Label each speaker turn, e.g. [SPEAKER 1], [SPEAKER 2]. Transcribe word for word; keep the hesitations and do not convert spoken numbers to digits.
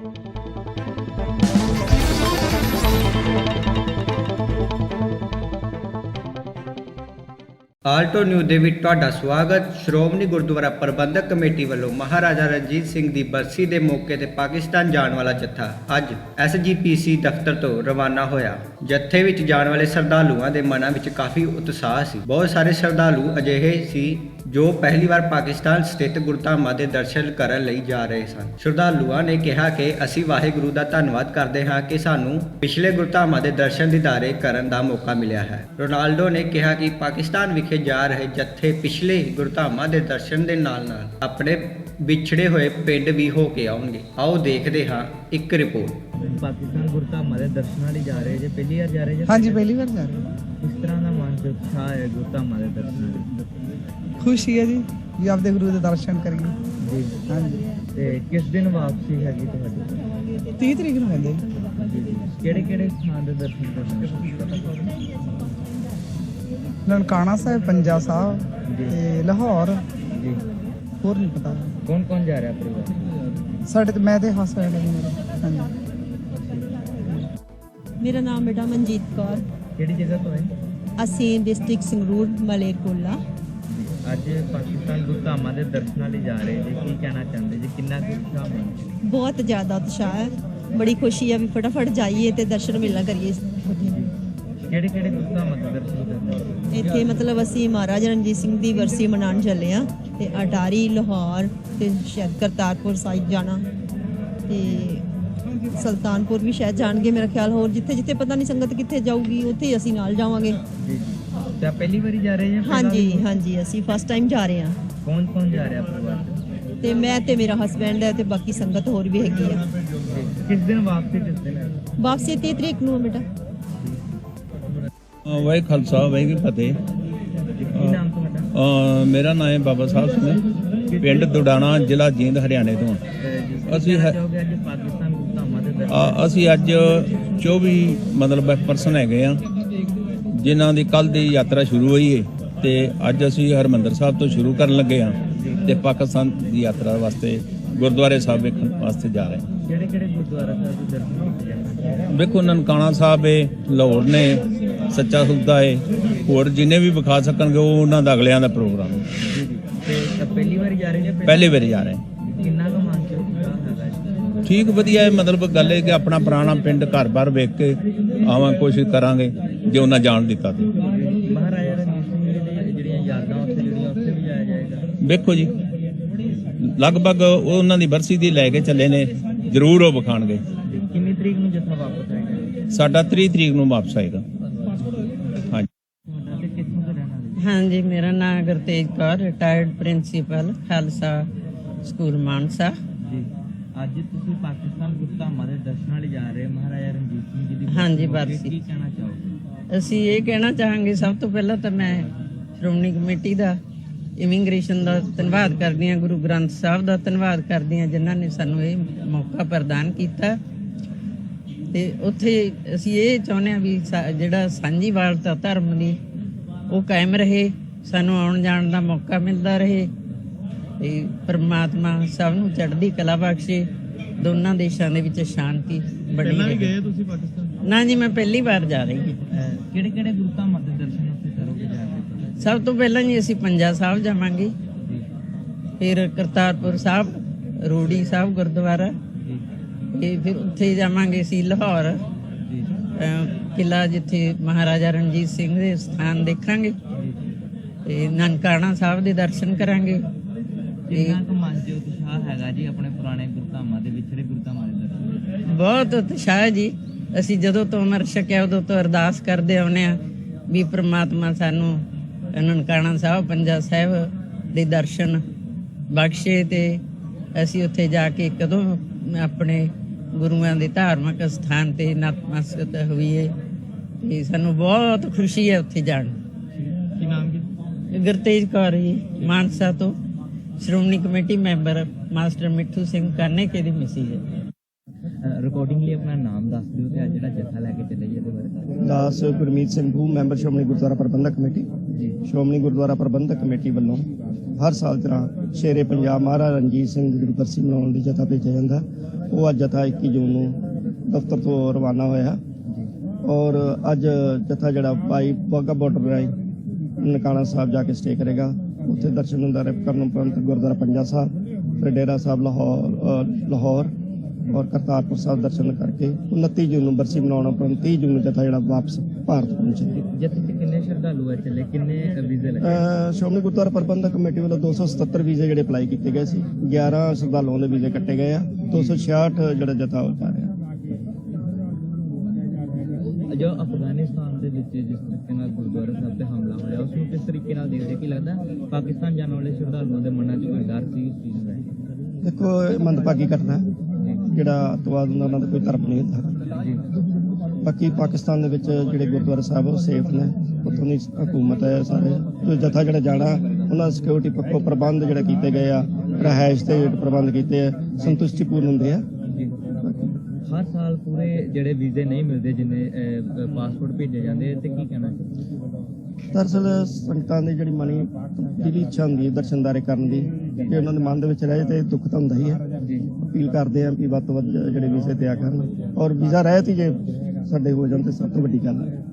[SPEAKER 1] Alto news ਦੇ ਵਿੱਚ ਤੁਹਾਡਾ ਸਵਾਗਤ। ਸ਼੍ਰੋਮਣੀ ਗੁਰਦੁਆਰਾ ਪ੍ਰਬੰਧਕ ਕਮੇਟੀ ਵੱਲੋਂ ਮਹਾਰਾਜਾ ਰਣਜੀਤ ਸਿੰਘ ਦੀ ਬਰਸੀ ਦੇ ਮੌਕੇ ਤੇ ਪਾਕਿਸਤਾਨ ਜਾਣ ਵਾਲਾ ਜੱਥਾ ਅੱਜ ਐਸ ਜੀ ਪੀ ਸੀ ਦਫ਼ਤਰ ਤੋਂ ਰਵਾਨਾ ਹੋਇਆ। ਜੱਥੇ ਵਿੱਚ ਜਾਣ ਵਾਲੇ ਸ਼ਰਧਾਲੂਆਂ ਦੇ ਮਨਾਂ ਵਿੱਚ ਕਾਫੀ ਉਤਸ਼ਾਹ ਸੀ। ਬਹੁਤ ਸਾਰੇ ਸ਼ਰਧਾਲੂ ਅਜਿਹੇ ਸੀ ਜੋ ਪਹਿਲੀ ਵਾਰ ਪਾਕਿਸਤਾਨ ਸਥਿਤ ਗੁਰਧਾਮਾਂ ਦੇ ਦਰਸ਼ਨ ਕਰਨ ਲਈ ਜਾ ਰਹੇ ਸਨ। ਸ਼ਰਧਾਲੂਆਂ ਨੇ ਕਿਹਾ ਕਿ ਅਸੀਂ ਵਾਹਿਗੁਰੂ ਦਾ ਧੰਨਵਾਦ ਕਰਦੇ ਹਾਂ ਕਿ ਸਾਨੂੰ ਪਿਛਲੇ ਗੁਰਧਾਮਾਂ ਦੇ ਦਰਸ਼ਨ ਦੀਦਾਰੇ ਕਰਨ ਦਾ ਮੌਕਾ ਮਿਲਿਆ ਹੈ। ਰੋਨਾਲਡੋ ਨੇ ਕਿਹਾ ਕਿ ਪਾਕਿਸਤਾਨ ਵਿਖੇ ਜਾ ਰਹੇ ਜੱਥੇ ਪਿਛਲੇ ਗੁਰਧਾਮਾਂ ਦੇ ਦਰਸ਼ਨ ਦੇ ਨਾਲ ਨਾਲ ਆਪਣੇ ਵਿਛੜੇ ਹੋਏ ਪਿੰਡ ਵੀ ਹੋ ਕੇ ਆਉਣਗੇ। ਆਓ ਦੇਖਦੇ ਹਾਂ ਇੱਕ ਰਿਪੋਰਟ।
[SPEAKER 2] ਪਾਕਿਸਤਾਨ ਗੁਰਧਾਮਾਂ ਦੇ ਦਰਸ਼ਨਾਂ ਲਈ ਜਾ ਰਹੇ ਜੇ ਪਹਿਲੀ ਵਾਰ ਜਾ ਰਹੇ ਜੇ?
[SPEAKER 3] ਹਾਂਜੀ, ਪਹਿਲੀ ਵਾਰ ਜਾ ਰਹੇ।
[SPEAKER 2] ਕਿਸ ਤਰ੍ਹਾਂ ਦਾ ਮਨ ਚ ਉਤਸ਼ਾਹ ਹੈ ਗੁਰਧਾਮਾਂ ਦੇ ਦਰਸ਼ਨਾਂ ਲਈ?
[SPEAKER 3] ਖੁਸ਼ੀ ਹੈ ਜੀ ਵੀ ਆਪਦੇ ਗੁਰੂ ਦੇ ਦਰਸ਼ਨ ਕਰੀਏ
[SPEAKER 2] ਜੀ।
[SPEAKER 3] ਹਾਂਜੀ।
[SPEAKER 2] ਤੇ ਕਿਸ ਦਿਨ ਵਾਪਸੀ ਹੈਗੀ ਤੁਹਾਡੀ?
[SPEAKER 3] ਤੀਹ ਤਰੀਕ ਨੂੰ ਕਹਿੰਦੇ
[SPEAKER 2] ਜੀ। ਕਿਹੜੇ ਕਿਹੜੇ ਸਥਾਨ ਦੇ ਦਰਸ਼ਨ ਕਰਨੇ?
[SPEAKER 3] ਨਨਕਾਣਾ ਸਾਹਿਬ, ਪੰਜਾ ਸਾਹਿਬ
[SPEAKER 2] ਜੀ।
[SPEAKER 3] ਤੇ ਲਾਹੌਰ,
[SPEAKER 2] ਜੀ।
[SPEAKER 3] ਹੋਰ ਨਹੀਂ ਪਤਾ।
[SPEAKER 2] ਕੌਣ ਕੌਣ ਜਾ ਰਿਹਾ ਪਰਿਵਾਰ?
[SPEAKER 3] ਸਾਡੇ ਤੇ ਮੈਂ ਤੇ ਹਸਬੈਂਡ ਮੇਰਾ। ਹਾਂਜੀ।
[SPEAKER 4] ਮੇਰਾ ਨਾਮ ਬੇਟਾ ਮਨਜੀਤ ਕੌਰ।
[SPEAKER 2] ਕਿਹੜੀ ਜਗ੍ਹਾ ਤੋਂ ਹੈ?
[SPEAKER 4] ਅਸੀਂ ਡਿਸਟ੍ਰਿਕਟ ਸੰਗਰੂਰ ਮਲੇਰਕੋਟਲਾ।
[SPEAKER 2] ਅੱਜ ਪਾਕਿਸਤਾਨ ਗੁਰਧਾਮਾਂ ਦੇ ਦਰਸ਼ਨਾਂ ਲਈ ਜਾ ਰਹੇ ਜੀ, ਕੀ ਕਹਿਣਾ ਚਾਹੁੰਦੇ ਜੀ? ਕਿੰਨਾ ਕੁ ਉਤਸ਼ਾਹ ਹੈ?
[SPEAKER 4] ਬਹੁਤ ਜ਼ਿਆਦਾ ਉਤਸ਼ਾਹ ਹੈ। ਬੜੀ ਖੁਸ਼ੀ ਹੈ ਵੀ ਫਟਾਫਟ ਜਾਈਏ ਤੇ ਦਰਸ਼ਨ ਮਿਲਣਾ ਕਰੀਏ।
[SPEAKER 2] ਕਿਹੜੇ ਕਿਹੜੇ ਗੁਰਧਾਮਾਂ ਦੇ ਦਰਸ਼ਨ ਕਰਨੇ?
[SPEAKER 4] ਇੱਥੇ ਮਤਲਬ ਅਸੀਂ ਮਹਾਰਾਜਾ ਰਣਜੀਤ ਸਿੰਘ ਦੀ ਵਰਸੀ ਮਨਾਉਣ ਚੱਲੇ ਹਾਂ ਤੇ ਅਟਾਰੀ, ਲਾਹੌਰ ਤੇ ਸ਼ਾਇਦ ਕਰਤਾਰਪੁਰ ਸਾਹਿਬ ਜਾਣਾ ਤੇ ਸੁਲਤਾਨਪੁਰ ਵੀ ਸ਼ਾਇਦ ਜਾਣਗੇ ਮੇਰਾ ਖਿਆਲ। ਹੋਰ ਜਿੱਥੇ ਜਿੱਥੇ ਪਤਾ ਨਹੀਂ ਸੰਗਤ ਕਿੱਥੇ ਜਾਊਗੀ ਉੱਥੇ ਅਸੀਂ ਨਾਲ ਜਾਵਾਂਗੇ।
[SPEAKER 2] ਜੀ। ਤੇ ਪਹਿਲੀ ਵਾਰੀ ਜਾ ਰਹੇ ਜਾਂ?
[SPEAKER 4] ਹਾਂਜੀ ਹਾਂਜੀ, ਅਸੀਂ ਫਸਟ ਟਾਈਮ ਜਾ ਰਹੇ ਹਾਂ।
[SPEAKER 2] ਕੌਣ ਕੌਣ ਜਾ ਰਿਹਾ ਪਰਿਵਾਰ?
[SPEAKER 4] ਤੇ ਮੈਂ ਤੇ ਮੇਰਾ ਹਸਬੈਂਡ ਹੈ ਤੇ ਬਾਕੀ ਸੰਗਤ ਹੋਰ ਵੀ ਹੈਗੀ ਆ।
[SPEAKER 2] ਕਿਸ ਦਿਨ ਵਾਪਸੀ? ਕਿਸ ਦਿਨ
[SPEAKER 4] ਵਾਪਸੀ ਤੀਹ ਤਰੀਕ ਨੂੰ ਬੇਟਾ।
[SPEAKER 5] ਵਾਹਿ ਖਾਲਸਾ ਵਾਹਿਗੁਰੂ ਫਤਿਹ।
[SPEAKER 2] ਕੀ ਨਾਮ ਤੁਹਾਡਾ?
[SPEAKER 5] ਅ, ਮੇਰਾ ਨਾਮ ਹੈ ਬਾਬਾ ਸਾਹਿਬ ਸਿੰਘ, ਪਿੰਡ ਦੁਡਾਣਾ, ਜ਼ਿਲ੍ਹਾ ਜੀਂਦ, ਹਰਿਆਣੇ ਤੋਂ। ਅਸੀਂ ਹੈ-
[SPEAKER 2] ਚਾਹੋਗੇ ਅੱਜ ਪਾਕਿਸਤਾਨ ਗੁਰਧਾਮਾਂ ਦੇ ਦਰਸ਼ਨ?
[SPEAKER 5] ਅ, ਅਸੀਂ ਅੱਜ ਚੌਵੀ ਮਤਲਬ ਪਰਸਨ ਹੈਗੇ ਆ ਜਿਨ੍ਹਾਂ ਦੀ ਕੱਲ ਦੀ ਯਾਤਰਾ ਸ਼ੁਰੂ ਹੋਈ ਹੈ ਤੇ ਅੱਜ ਅਸੀਂ ਹਰਿਮੰਦਰ ਸਾਹਿਬ ਤੋਂ ਸ਼ੁਰੂ ਕਰਨ ਲੱਗੇ ਹਾਂ ਤੇ ਪਾਕਿਸਤਾਨ ਦੀ ਯਾਤਰਾ ਵਾਸਤੇ ਗੁਰਦੁਆਰੇ ਸਾਹਿਬ ਵੇਖਣ ਵਾਸਤੇ ਜਾ ਰਹੇ ਹਾਂ।
[SPEAKER 2] ਕਿਹੜੇ ਕਿਹੜੇ ਗੁਰਦੁਆਰਾ ਸਾਹਿਬ ਦੇ ਦਰਸ਼ਨ ਕੀਤੇ ਜਾਣਗੇ?
[SPEAKER 5] ਵੇਖੋ, ਨਨਕਾਣਾ ਸਾਹਿਬ ਹੈ, ਲਾਹੌਰ ਨੇ, ਸੱਚਾ ਸੌਦਾ ਹੈ, ਹੋਰ ਜਿੰਨੇ ਵੀ ਵਿਖਾ ਸਕਣਗੇ ਉਹ ਉਹਨਾਂ ਦਾ ਅਗਲਿਆਂ ਦਾ ਪ੍ਰੋਗਰਾਮ ਹੈ।
[SPEAKER 2] ਜੀ ਜੀ। ਤੇ ਪਹਿਲੀ ਵਾਰੀ ਜਾ ਰਹੇ ਜਾਂ
[SPEAKER 5] ਪਹਿਲੇ ਵਾਰੀ ਜਾ ਰਹੇ ਹਾਂ।
[SPEAKER 2] ਕਿੰਨਾ ਕੁ ਮਨ ਚ ਉਤਸ਼ਾਹ ਹੈਗਾ ਜੀ?
[SPEAKER 5] ਠੀਕ, ਵਧੀਆ ਹੈ। ਮਤਲਬ ਗੱਲ ਹੈ ਕਿ ਆਪਣਾ ਪੁਰਾਣਾ ਪਿੰਡ ਘਰ-ਬਾਰ ਵੇਖ ਕੇ ਆਵਾਂ, ਕੋਸ਼ਿਸ਼ ਕਰਾਂਗੇ ਜੇ ਉਹਨਾਂ ਜਾਣ ਦਿੱਤਾ ਤੇ।
[SPEAKER 2] ਮਹਾਰਾਜਾ ਰਣਜੀਤ ਸਿੰਘ ਜੀ ਦੀਆਂ ਜਿਹੜੀਆਂ ਯਾਦਾਂ ਉੱਥੇ ਜਿਹੜੀਆਂ ਉੱਥੇ ਵੀ ਜਾਇਆ ਜਾਏਗਾ?
[SPEAKER 5] ਵੇਖੋ ਜੀ, ਲਗਭਗ ਉਹਨਾਂ ਦੀ ਬਰਸੀ ਦੀ ਲੈ ਕੇ ਚੱਲੇ ਨੇ, ਜ਼ਰੂਰ ਉਹ ਵਿਖਾਣਗੇ।
[SPEAKER 2] ਕਿੰਨੀ ਤਰੀਕ ਨੂੰ ਜੱਥਾ ਵਾਪਸ ਆਏਗਾ?
[SPEAKER 5] ਸਾਡਾ ਤੀਹ ਤਰੀਕ ਨੂੰ ਵਾਪਸ ਆਏਗਾ। ਹਾਂਜੀ।
[SPEAKER 2] ਤੁਹਾਡਾ ਤੇ ਕਿੱਥੋਂ ਦਾ ਰਹਿਣ ਵਾਲੇ?
[SPEAKER 6] ਹਾਂਜੀ, ਮੇਰਾ ਨਾਮ Gurtej Kaur, retired principal Khalsa school Mansa.
[SPEAKER 2] ਜੀ। ਅੱਜ ਤੁਸੀਂ ਪਾਕਿਸਤਾਨ ਗੁਰਧਾਮਾਂ ਦੇ ਦਰਸ਼ਨਾਂ ਲਈ ਜਾ ਰਹੇ ਹੋ, ਮਹਾਰਾਜਾ ਰਣਜੀਤ ਸਿੰਘ ਜੀ ਦੀ
[SPEAKER 6] ਹਾਂਜੀ,
[SPEAKER 2] ਬਰਸੀ।
[SPEAKER 6] ਬਰਸੀ।
[SPEAKER 2] ਕੀ ਕਹਿਣਾ ਚਾਹੋਗੇ?
[SPEAKER 6] ਅਸੀਂ ਇਹ ਕਹਿਣਾ ਚਾਹਾਂਗੇ, ਸਭ ਤੋਂ ਪਹਿਲਾਂ ਤਾਂ ਮੈਂ ਸ਼੍ਰੋਮਣੀ ਕਮੇਟੀ ਦਾ, ਇਮੀਗ੍ਰੇਸ਼ਨ ਦਾ ਧੰਨਵਾਦ ਕਰਦੀ ਹਾਂ, ਗੁਰੂ ਗ੍ਰੰਥ ਸਾਹਿਬ ਦਾ ਧੰਨਵਾਦ ਕਰਦੀ ਹਾਂ ਜਿਨ੍ਹਾਂ ਨੇ ਸਾਨੂੰ ਇਹ ਮੌਕਾ ਪ੍ਰਦਾਨ ਕੀਤਾ। ਤੇ ਉੱਥੇ ਅਸੀਂ ਇਹ ਚਾਹੁੰਦੇ ਹਾਂ ਵੀ ਜਿਹੜਾ ਸਾਂਝੀਵਾਲਤਾ ਧਰਮ ਦੀ ਉਹ ਕਾਇਮ ਰਹੇ, ਸਾਨੂੰ ਆਉਣ ਜਾਣ ਦਾ ਮੌਕਾ ਮਿਲਦਾ ਰਹੇ ਤੇ ਪਰਮਾਤਮਾ ਸਭ ਨੂੰ ਚੜ੍ਹਦੀ ਕਲਾ ਬਖਸ਼ੇ, ਦੋਨਾਂ ਦੇਸ਼ਾਂ ਦੇ ਵਿੱਚ ਸ਼ਾਂਤੀ ਬਣੀ ਰਹੇ।
[SPEAKER 2] ਗਏ ਤੁਸੀਂ ਪਾਕਿਸਤਾਨ?
[SPEAKER 6] ਨਾ ਜੀ, ਮੈਂ ਪਹਿਲੀ ਵਾਰ ਜਾ ਰਹੀ ਹਾਂ।
[SPEAKER 2] ਕਿਹੜੇ ਕਿਹੜੇ ਗੁਰਧਾਮਾਂ ਦੇ ਦਰਸ਼ਨ ਉੱਥੇ ਕਰੋਗੇ ਜਾ ਕੇ?
[SPEAKER 6] ਸਭ ਤੋਂ ਪਹਿਲਾਂ ਜੀ ਅਸੀਂ ਪੰਜਾ ਸਾਹਿਬ ਜਾਵਾਂਗੇ, ਫਿਰ ਕਰਤਾਰਪੁਰ ਸਾਹਿਬ, ਰੂੜੀ ਸਾਹਿਬ ਗੁਰਦੁਆਰਾ, ਤੇ ਫਿਰ ਉੱਥੇ ਜਾਵਾਂਗੇ ਅਸੀਂ ਲਾਹੌਰ ਕਿਲ੍ਹਾ ਜਿੱਥੇ ਮਹਾਰਾਜਾ ਰਣਜੀਤ ਸਿੰਘ ਦੇ ਸਥਾਨ ਦੇਖਾਂਗੇ ਤੇ ਨਨਕਾਣਾ ਸਾਹਿਬ ਦੇ ਦਰਸ਼ਨ ਕਰਾਂਗੇ।
[SPEAKER 2] ਕਿੰਨਾ ਕੁ ਮਨ ਚ ਉਤਸ਼ਾਹ ਹੈਗਾ ਜੀ ਆਪਣੇ ਪੁਰਾਣੇ ਗੁਰਧਾਮਾਂ ਦੇ, ਵਿਛੜੇ ਗੁਰਧਾਮਾਂ ਦੇ ਦਰਸ਼ਨ?
[SPEAKER 6] ਬਹੁਤ ਉਤਸ਼ਾਹ ਜੀ। ਅਸੀਂ ਜਦੋਂ ਤੋਂ ਅਮਰ ਛਕਿਆ ਉਦੋਂ ਤੋਂ ਅਰਦਾਸ ਕਰਦੇ ਆਉਂਦੇ ਹਾਂ ਵੀ ਪ੍ਰਮਾਤਮਾ ਸਾਨੂੰ ਨਨਕਾਣਾ ਸਾਹਿਬ, ਪੰਜਾ ਸਾਹਿਬ ਦੇ ਦਰਸ਼ਨ ਬਖਸ਼ੇ ਤੇ ਅਸੀਂ ਉੱਥੇ ਜਾ ਕੇ ਕਦੋਂ ਆਪਣੇ ਗੁਰੂਆਂ ਦੇ ਧਾਰਮਿਕ ਸਥਾਨ ਤੇ ਨਤਮਸਤਕ ਹੋਈਏ ਤੇ ਸਾਨੂੰ ਬਹੁਤ ਖੁਸ਼ੀ ਹੈ ਉੱਥੇ ਜਾਣ।
[SPEAKER 2] ਕੀ ਨਾਮ ਜੀ?
[SPEAKER 6] ਗੁਰਤੇਜ ਕੌਰ ਜੀ, ਮਾਨਸਾ ਤੋਂ, Shiromani committee member, master Mithu Singh Kaneke ਦੀ ਮਿਸੀ ਹੈ।
[SPEAKER 2] ਰਿਕਾਰਡਿੰਗਲੀ ਆਪਣਾ ਨਾਮ ਦੱਸ ਦਿਓ ਤੇ ਅੱਜ ਜਿਹੜਾ ਜੱਥਾ ਲੈ ਕੇ ਚੱਲੇ ਜੀ ਇਹਦੇ ਬਾਰੇ।
[SPEAKER 7] ਦਾਸ ਗੁਰਮੀਤ ਸਿੰਘ ਭੂ member Shiromani Gurdwara Prabandhak committee. Shiromani Gurdwara Prabandhak committee ਵੱਲੋਂ ਹਰ ਸਾਲ ਤਰ੍ਹਾਂ ਸ਼ੇਰੇ ਪੰਜਾਬ ਮਹਾਰਾਜਾ ਰਣਜੀਤ ਸਿੰਘ ਦੀ ਜਿਹੜੀ ਬਰਸੀ ਮਨਾਉਣ ਲਈ ਜਥਾ ਭੇਜਿਆ ਜਾਂਦਾ। ਉਹ ਅੱਜ ਜਥਾ ਇੱਕੀ ਜੂਨ ਨੂੰ ਦਫ਼ਤਰ ਤੋਂ ਰਵਾਨਾ ਹੋਇਆ ਔਰ ਅੱਜ ਜਥਾ ਜਿਹੜਾ ਭਾਈ ਵਾਹਗਾ ਬਾਰਡਰ ਰਾਹੀਂ ਨਨਕਾਣਾ ਸਾਹਿਬ ਜਾ ਕੇ ਸਟੇ ਕਰੇਗਾ। ਉੱਥੇ ਦਰਸ਼ਨ ਨੰਦਾਰੇ ਕਰਨ ਉਪਰੰਤ ਗੁਰਦੁਆਰਾ ਪੰਜਾ ਸਾਹਿਬ, ਫਿਰ ਡੇਰਾ ਸਾਹਿਬ ਲਾਹੌਰ ਅ, ਲਾਹੌਰ ਔਰ ਕਰਤਾਰਪੁਰ ਸਾਹਿਬ ਦਰਸ਼ਨ ਕਰਕੇ ਉਨੱਤੀ ਜੂਨ ਨੂੰ ਬਰਸੀ ਮਨਾਉਣ ਉਪਰੰਤ ਤੀਹ ਜੂਨ ਨੂੰ ਜਥਾ ਜਿਹੜਾ ਵਾਪਸ ਭਾਰਤ ਪਹੁੰਚੇਗਾ।
[SPEAKER 2] ਜੱਥੇ 'ਚ ਕਿੰਨੇ ਸ਼ਰਧਾਲੂ ਆ ਚੱਲੇ, ਕਿੰਨੇ ਵੀਜ਼ੇ ਲੱਗੇ?
[SPEAKER 7] ਅ, ਸ਼੍ਰੋਮਣੀ ਗੁਰਦੁਆਰਾ ਪ੍ਰਬੰਧਕ ਕਮੇਟੀ ਵੱਲੋਂ ਦੋ ਸੌ ਸਤੱਤਰ ਵੀਜ਼ੇ ਜਿਹੜੇ ਅਪਲਾਈ ਕੀਤੇ ਗਏ ਸੀ। ਗਿਆਰਾਂ ਸ਼ਰਧਾਲੂਆਂ ਦੇ ਵੀਜ਼ੇ ਕੱਟੇ ਗਏ ਆ। ਦੋ ਸੌ ਛਿਆਹਠ ਜਿਹੜਾ ਜਥਾ ਉਹ ਜਾ ਰਿਹਾ।
[SPEAKER 2] ਜੋ ਅਫਗਾਨਿਸਤਾਨ ਦੇ ਵਿੱਚ ਜਿਸ ਤਰੀਕੇ ਨਾਲ ਗੁਰਦੁਆਰਾ ਸਾਹਿਬ ਤੇ ਹਮਲਾ ਹੋਇਆ ਉਸ ਨੂੰ ਕਿਸ ਤਰੀਕੇ ਨਾਲ ਦੇਖਦੇ, ਕੀ ਲੱਗਦਾ ਪਾਕਿਸਤਾਨ ਜਾਣ ਵਾਲੇ ਸ਼ਰਧਾਲੂਆਂ ਦੇ ਮਨਾਂ 'ਚ ਕੋਈ ਡਰ ਸੀ ਇਸ ਚੀਜ਼ ਦਾ?
[SPEAKER 7] ਦੇਖੋ ਇਹ ਮੰਦਭਾਗੀ ਘਟਨਾ ਹੈ। ਜਿਹੜਾ ਅੱਤਵਾਦ ਹੁੰਦਾ ਉਹਨਾਂ ਦਾ ਕੋਈ ਧਰਮ ਨਹੀਂ ਹੁੰਦਾ। ਬਾਕੀ ਪਾਕਿਸਤਾਨ ਦੇ ਵਿੱਚ ਜਿਹੜੇ ਗੁਰਦੁਆਰਾ ਸਾਹਿਬ ਉਹ ਸੇਫ ਨੇ, ਉੱਥੋਂ ਦੀ ਹਕੂਮਤ ਹੈ ਸਾਰੇ ਜੋ ਜਥਾ ਜਿਹੜਾ ਜਾਣਾ ਉਹਨਾਂ ਸਿਕਿਉਰਿਟੀ ਪੱਖੋਂ ਪ੍ਰਬੰਧ ਜਿਹੜੇ ਕੀਤੇ ਗਏ ਆ, ਰਿਹਾਇਸ਼ ਦੇ ਪ੍ਰਬੰਧ ਕੀਤੇ ਆ, ਸੰਤੁਸ਼ਟੀਪੂਰਨ ਹੁੰਦੇ ਆ।
[SPEAKER 2] ਹਰ ਸਾਲ ਪੂਰੇ ਜਿਹੜੇ ਵੀਜ਼ੇ ਨਹੀਂ ਮਿਲਦੇ ਜਿੰਨੇ ਪਾਸਪੋਰਟ ਭੇਜੇ ਜਾਂਦੇ ਤੇ ਕੀ ਕਹਿਣਾ?
[SPEAKER 7] ਦਰਅਸਲ ਸੰਗਤਾਂ ਦੀ ਜਿਹੜੀ ਮਨੀ ਜਿਹੜੀ ਇੱਛਾ ਹੁੰਦੀ ਹੈ ਦਰਸ਼ਨਦਾਰੇ ਕਰਨ ਦੀ, ਜੇ ਉਹਨਾਂ ਦੇ ਮਨ ਦੇ ਵਿੱਚ ਰਹੇ ਤੇ ਦੁੱਖ ਤਾਂ ਹੁੰਦਾ ਹੀ ਹੈ। ਅਪੀਲ ਕਰਦੇ ਆ ਵੀ ਵੱਧ ਤੋਂ ਵੱਧ ਜਿਹੜੇ ਵੀਜ਼ੇ ਤਿਆਰ ਕਰਨ ਔਰ ਵੀਜ਼ਾ ਰਹਿਤ ਹੀ ਜੇ ਸਾਡੇ ਹੋ ਜਾਣ ਤੇ ਸਭ ਤੋਂ ਵੱਡੀ ਗੱਲ ਹੈ।